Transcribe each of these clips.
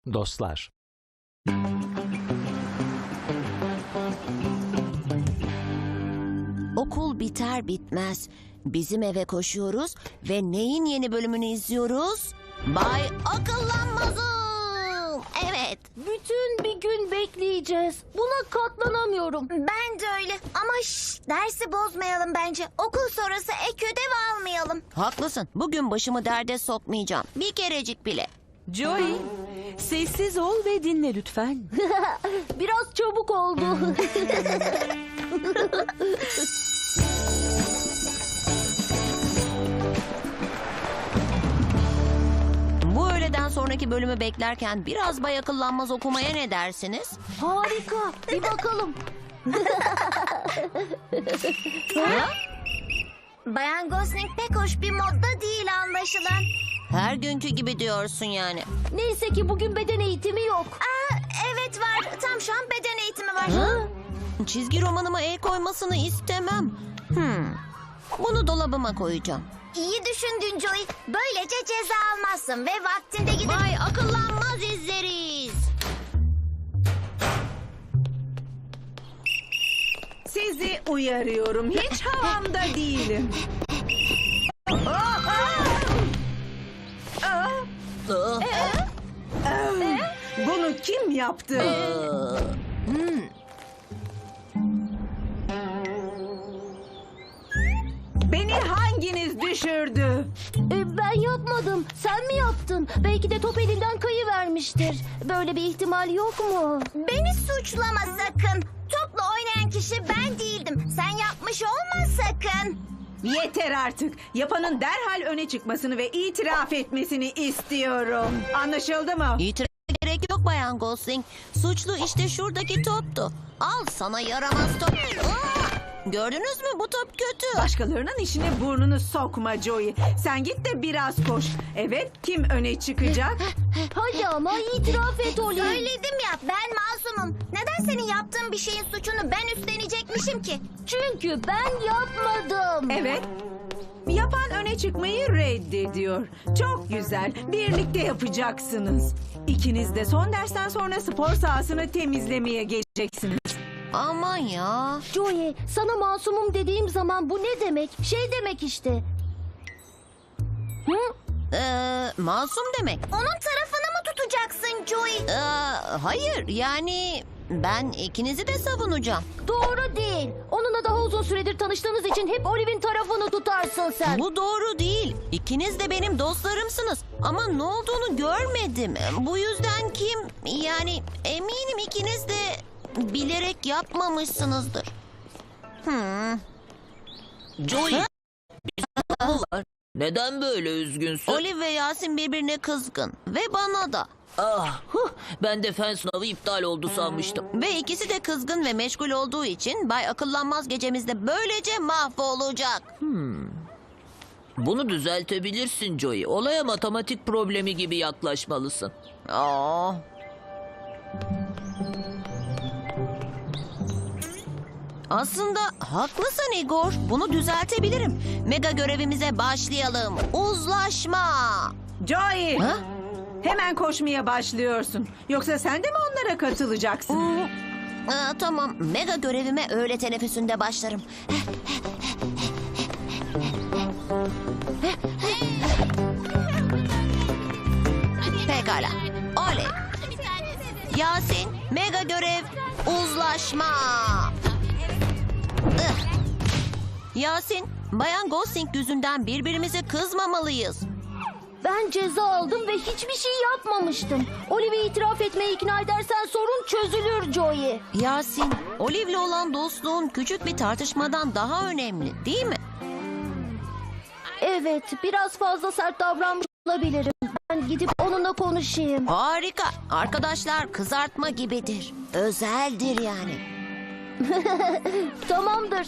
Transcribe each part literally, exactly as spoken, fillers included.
Dostlar. Okul biter bitmez bizim eve koşuyoruz ve neyin yeni bölümünü izliyoruz? Bay Akıllanmaz'ım. Evet. Bütün bir gün bekleyeceğiz. Buna katlanamıyorum. Ben de öyle. Ama şş, dersi bozmayalım bence. Okul sonrası ek ödev almayalım. Haklısın. Bugün başımı derde sokmayacağım. Bir kerecik bile. Joey, sessiz ol ve dinle lütfen. Biraz çabuk oldu. Bu öğleden sonraki bölümü beklerken biraz Bay Akıllanmaz okumaya ne dersiniz? Harika. Bir bakalım. Bayan Gosling pek hoş bir modda değil anlaşılan. Her günkü gibi diyorsun yani. Neyse ki bugün beden eğitimi yok. Aa, evet var. Tam şu an beden eğitimi var. Ha? Çizgi romanıma el koymasını istemem. Hmm. Bunu dolabıma koyacağım. İyi düşündün Joey. Böylece ceza almazsın ve vaktinde gidip... Bay Akıllanmaz izleriz. Sizi uyarıyorum, hiç havamda değilim. Bunu kim yaptı? Beni hanginiz düşürdü? E, ben yapmadım. Sen mi yaptın? Belki de top elinden kayıvermiştir. Böyle bir ihtimal yok mu? Beni suçlama sakın. Topla oynayan kişi ben değildim. Sen yapmış olma sakın. Yeter artık. Yapanın derhal öne çıkmasını ve itiraf etmesini istiyorum. Anlaşıldı mı? İtiraf gerek yok Bayan Gosling. Suçlu işte şuradaki toptu. Al sana yaramaz top. Aa! Gördünüz mü, bu top kötü. Başkalarının işine burnunu sokma Joey. Sen git de biraz koş. Evet, kim öne çıkacak? Hadi ama itiraf et Oli. Söyledim ya ben masumum. Neden senin yaptığın bir şeyin suçunu ben üstlenecekmişim ki? Çünkü ben yapmadım. Evet. Yapan öne çıkmayı reddediyor. Çok güzel. Birlikte yapacaksınız. İkiniz de son dersten sonra spor sahasını temizlemeye geleceksiniz. Aman ya. Joey, sana masumum dediğim zaman bu ne demek? Şey demek işte. Hı? Ee, masum demek. Onun tarafını mı tutacaksın Joey? Ee, hayır yani ben ikinizi de savunacağım. Doğru değil. Onunla daha uzun süredir tanıştığınız için hep Olive'in tarafını tutarsın sen. Bu doğru değil. İkiniz de benim dostlarımsınız. Ama ne olduğunu görmedim. Bu yüzden kim? Yani eminim ikiniz de bilerek yapmamışsınızdır. Hmm. Joey, bir sorun var. Neden böyle üzgünsün? Olive ve Yasin birbirine kızgın. Ve bana da. Ah, huh, ben de fen sınavı iptal oldu sanmıştım. Ve ikisi de kızgın ve meşgul olduğu için Bay Akıllanmaz gecemizde böylece mahvolacak. Bunu düzeltebilirsin Joey. Olaya matematik problemi gibi yaklaşmalısın. Aa. Aslında haklısın Igor. Bunu düzeltebilirim. Mega görevimize başlayalım. Uzlaşma. Joey! Ha? Hemen koşmaya başlıyorsun. Yoksa sen de mi onlara katılacaksın? Aa, tamam. Mega görevime öğle teneffüsünde başlarım. Pekala. Oley. Yasin, mega görev, uzlaşma. Ih. Yasin, Bayan Gosling yüzünden birbirimize kızmamalıyız. Ben ceza aldım ve hiçbir şey yapmamıştım. Olive'i itiraf etmeye ikna edersen sorun çözülür Joey. Yasin, Olive'le olan dostluğun küçük bir tartışmadan daha önemli, değil mi? Evet, biraz fazla sert davranmış olabilirim. Ben gidip onunla konuşayım. Harika. Arkadaşlar kızartma gibidir. Özeldir yani. Tamamdır.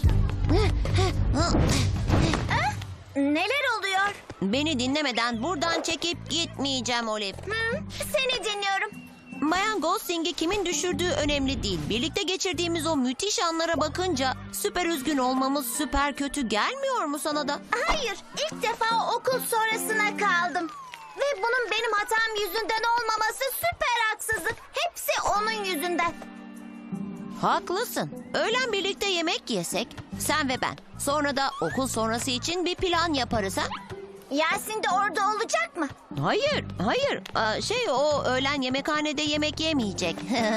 Neler oluyor? Beni dinlemeden buradan çekip gitmeyeceğim Olive. Hı, seni dinliyorum. Bayan Gosling'i kimin düşürdüğü önemli değil. Birlikte geçirdiğimiz o müthiş anlara bakınca süper üzgün olmamız süper kötü gelmiyor mu sana da? Hayır, ilk defa okul sonrasına kaldım. Ve bunun benim hatam yüzünden olmaması süper haksızlık. Hepsi onun yüzünden. Haklısın. Öğlen birlikte yemek yesek, sen ve ben. Sonra da okul sonrası için bir plan yaparız ha? Yasin de orada olacak mı? Hayır, hayır. Aa, şey o öğlen yemekhanede yemek yemeyecek.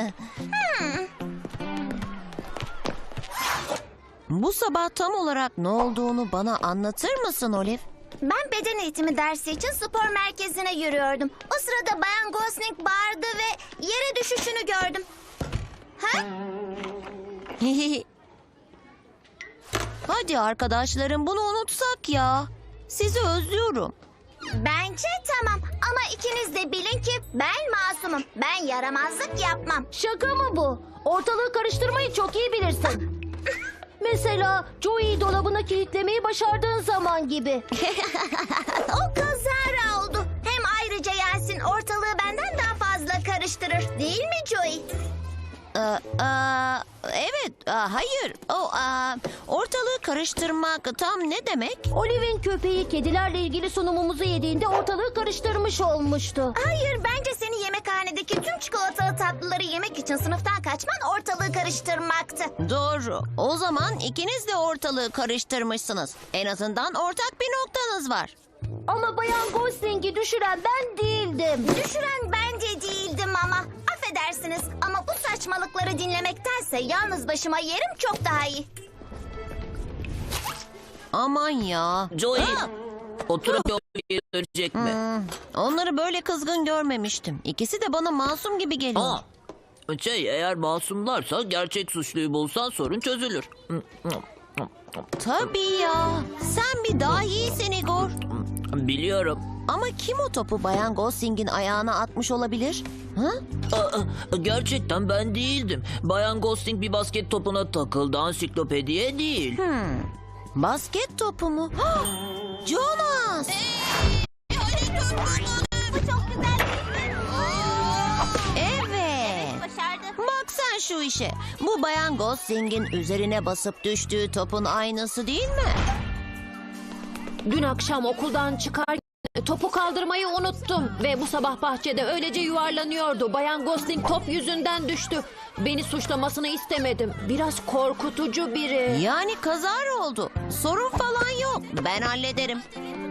Bu sabah tam olarak ne olduğunu bana anlatır mısın Olive? Ben beden eğitimi dersi için spor merkezine yürüyordum. O sırada Bayan Gosling bağırdı ve yere düşüşünü gördüm. Ha? Hadi arkadaşlarım bunu unutsak ya. Sizi özlüyorum. Bence tamam ama ikiniz de bilin ki ben masumum. Ben yaramazlık yapmam. Şaka mı bu? Ortalığı karıştırmayı çok iyi bilirsin. Mesela Joey'i dolabına kilitlemeyi başardığın zaman gibi. O kazara oldu. Hem ayrıca Yasin ortalığı benden daha fazla karıştırır. Değil mi Joey? Aa, aa, evet, aa, hayır. O aa, ortalığı karıştırmak tam ne demek? Olive'in köpeği kedilerle ilgili sunumumuzu yediğinde ortalığı karıştırmış olmuştu. Hayır, bence seni yemekhanedeki tüm çikolatalı tatlıları yemek için sınıftan kaçman ortalığı karıştırmaktı. Doğru. O zaman ikiniz de ortalığı karıştırmışsınız. En azından ortak bir noktanız var. Ama Bayan Gosling'i düşüren ben değildim. Düşüren bence değildim ama. Affedersiniz ama bu saçmalıkları dinlemektense yalnız başıma yerim çok daha iyi. Aman ya. Joey, Aa! oturup yollayı dönecek mi? Hmm, onları böyle kızgın görmemiştim. İkisi de bana masum gibi geliyor. Aa, şey eğer masumlarsa gerçek suçluyu bulsan sorun çözülür. Tabii ya. Sen bir dahisin Igor. Biliyorum. Ama kim o topu Bayan Gosling'in ayağına atmış olabilir? Ha? Aa, gerçekten ben değildim. Bayan Gosling bir basket topuna takıldı, ansiklopediye değil. Hmm. Basket topu mu? Hah! Jonas! Bu çok güzel. Evet. Başardı. Bak sen şu işe. Bu Bayan Gosling'in üzerine basıp düştüğü topun aynısı değil mi? Dün akşam okuldan çıkarken topu kaldırmayı unuttum ve bu sabah bahçede öylece yuvarlanıyordu. Bayan Gosling top yüzünden düştü. Beni suçlamasını istemedim. Biraz korkutucu biri. Yani kazara oldu. Sorun falan yok. Ben hallederim.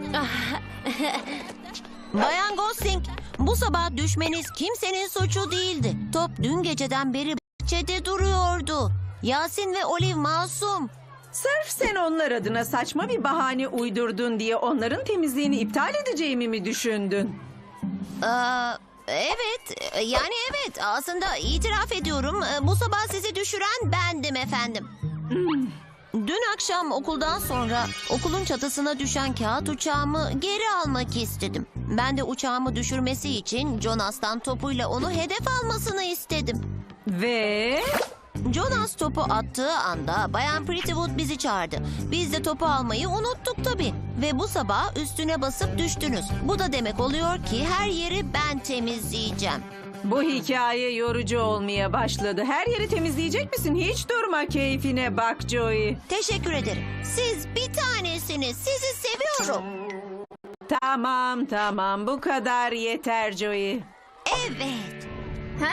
Bayan Gosling, bu sabah düşmeniz kimsenin suçu değildi. Top dün geceden beri bahçede duruyordu. Yasin ve Olive masum. Sırf sen onlar adına saçma bir bahane uydurdun diye onların temizliğini iptal edeceğimi mi düşündün? Aa, evet, yani evet. Aslında itiraf ediyorum. Bu sabah sizi düşüren bendim efendim. Dün akşam okuldan sonra okulun çatısına düşen kağıt uçağımı geri almak istedim. Ben de uçağımı düşürmesi için Jonas'tan topuyla onu hedef almasını istedim. Ve Jonas topu attığı anda Bayan Prettywood bizi çağırdı. Biz de topu almayı unuttuk tabii. Ve bu sabah üstüne basıp düştünüz. Bu da demek oluyor ki her yeri ben temizleyeceğim. bu hikaye yorucu olmaya başladı. Her yeri temizleyecek misin? Hiç durma, keyfine bak Joey. Teşekkür ederim. Siz bir tanesiniz. Sizi seviyorum. Tamam tamam, bu kadar yeter Joey. Evet. Ha?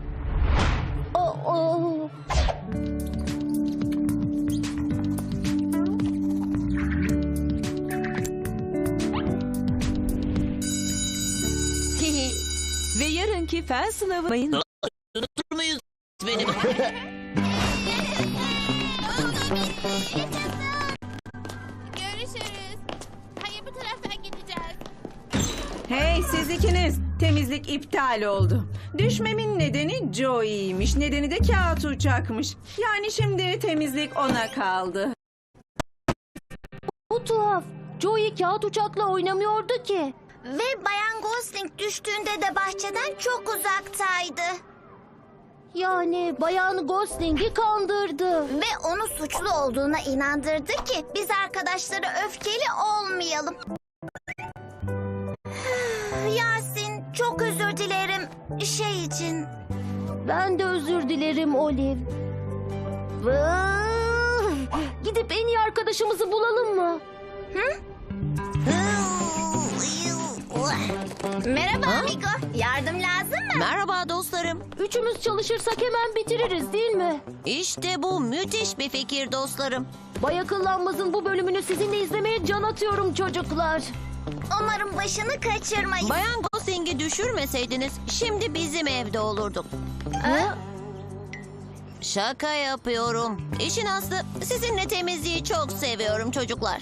O, o. Ve yarınki fen sınavı Unutur muyuz benim? Görüşürüz. Hayır, bu taraftan gideceğiz. Hey siz ikiniz, temizlik iptal oldu. Düşmemin nedeni Joey'ymiş, nedeni de kağıt uçakmış. Yani şimdi temizlik ona kaldı. Bu tuhaf. Joey kağıt uçakla oynamıyordu ki. Ve Bayan Gosling düştüğünde de bahçeden çok uzaktaydı. Yani Bayan Gosling'i kandırdı. Ve onu suçlu olduğuna inandırdı ki biz arkadaşları öfkeli olmayalım. Yasin, çok özür dilerim şey için. Ben de özür dilerim Olive. Vay! Gidip en iyi arkadaşımızı bulalım mı? Hı? Merhaba Ha? amigo. Yardım lazım mı? Merhaba dostlarım. Üçümüz çalışırsak hemen bitiririz değil mi? İşte bu müthiş bir fikir dostlarım. Bay Akıllanmaz'ın bu bölümünü sizinle izlemeye can atıyorum çocuklar. Umarım başını kaçırmayız. Bayan Gosling'i düşürmeseydiniz şimdi bizim evde olurduk. Ha? Şaka yapıyorum. İşin aslı sizinle temizliği çok seviyorum çocuklar.